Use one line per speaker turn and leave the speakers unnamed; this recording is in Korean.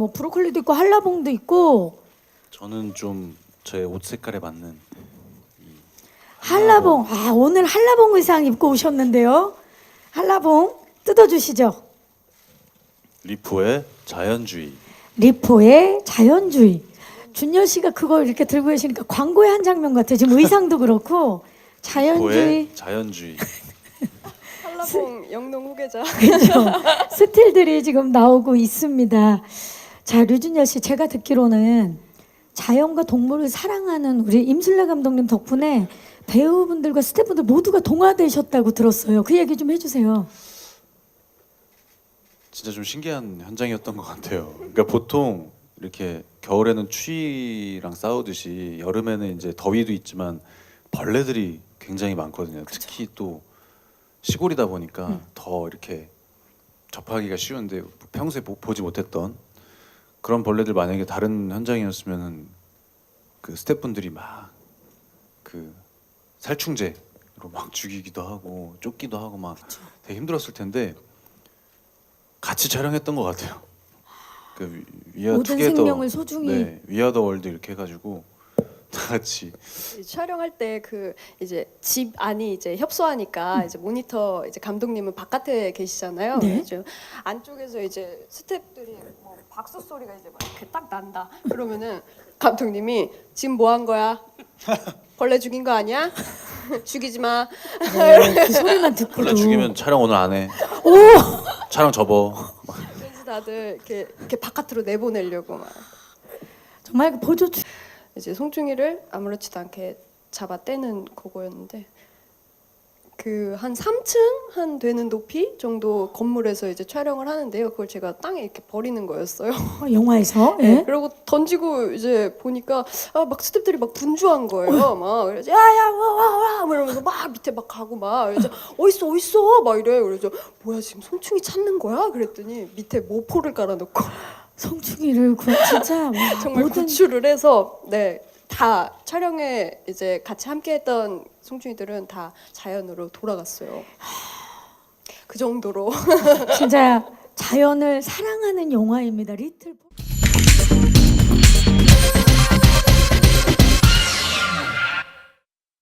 뭐 브로콜리도 있고 한라봉도 있고.
저는 좀 제 옷 색깔에 맞는
한라봉. 아, 오늘 한라봉 의상 입고 오셨는데요. 한라봉 뜯어주시죠.
리포의 자연주의.
리포의 자연주의. 준열 씨가 그걸 이렇게 들고 계시니까 광고의 한 장면 같아요. 지금 의상도 그렇고 자연주의.
리포의 자연주의.
한라봉 영농 후계자.
그렇죠. 스틸들이 지금 나오고 있습니다. 자, 류준열 씨, 제가 듣기로는 자연과 동물을 사랑하는 우리 임술래 감독님 덕분에 배우분들과 스태프분들 모두가 동화되셨다고 들었어요. 그 얘기 좀 해주세요.
진짜 좀 신기한 현장이었던 것 같아요. 그러니까 보통 이렇게 겨울에는 추위랑 싸우듯이 여름에는 이제 더위도 있지만 벌레들이 굉장히 많거든요. 특히 또 시골이다 보니까 더 이렇게 접하기가 쉬운데 평소에 보지 못했던 그런 벌레들 만약에 다른 현장이었으면은 그 스태프분들이 막 그 살충제로 막 죽이기도 하고 쫓기도 하고 막 되게 힘들었을 텐데 같이 촬영했던 것 같아요. 그 위아
모든
투게더,
생명을 소중히.
네, 위아 더 월드 이렇게 해가지고 다 같이
촬영할 때 그 이제 집 안이 이제 협소하니까 이제 모니터 이제 감독님은 바깥에 계시잖아요.
네.
그래서 안쪽에서 이제 스태프들이 뭐 박수 소리가 이제 막 이렇게 딱 난다. 그러면은 감독님이 지금 뭐 한 거야? 벌레 죽인 거 아니야? 죽이지 마.
네, 그 소리만 듣고도.
원래 죽이면 촬영 오늘 안 해.
오!
촬영 접어.
그래서 다들 이렇게 바깥으로 내보내려고 막.
정말 그 보조
이제 송중기를 아무렇지도 않게 잡아 떼는 그거였는데 그 한 3층 한 되는 높이 정도 건물에서 이제 촬영을 하는데요. 그걸 제가 땅에 이렇게 버리는 거였어요.
영화에서.
네.
예?
그리고 던지고 이제 보니까 막 스태프들이 막 분주한 거예요. 막 그래서 야야 와와와 이러면서 막 밑에 막 가고 막 그래서 어딨어 막 이래. 그래서 뭐야 지금 송충이 찾는 거야? 그랬더니 밑에 모포를 깔아놓고
성충이를 진짜 와,
정말
모든
구출을 해서 다 촬영에 이제 같이 함께했던 송충이들은 다 자연으로 돌아갔어요. 그 정도로
진짜 자연을 사랑하는 영화입니다. 리틀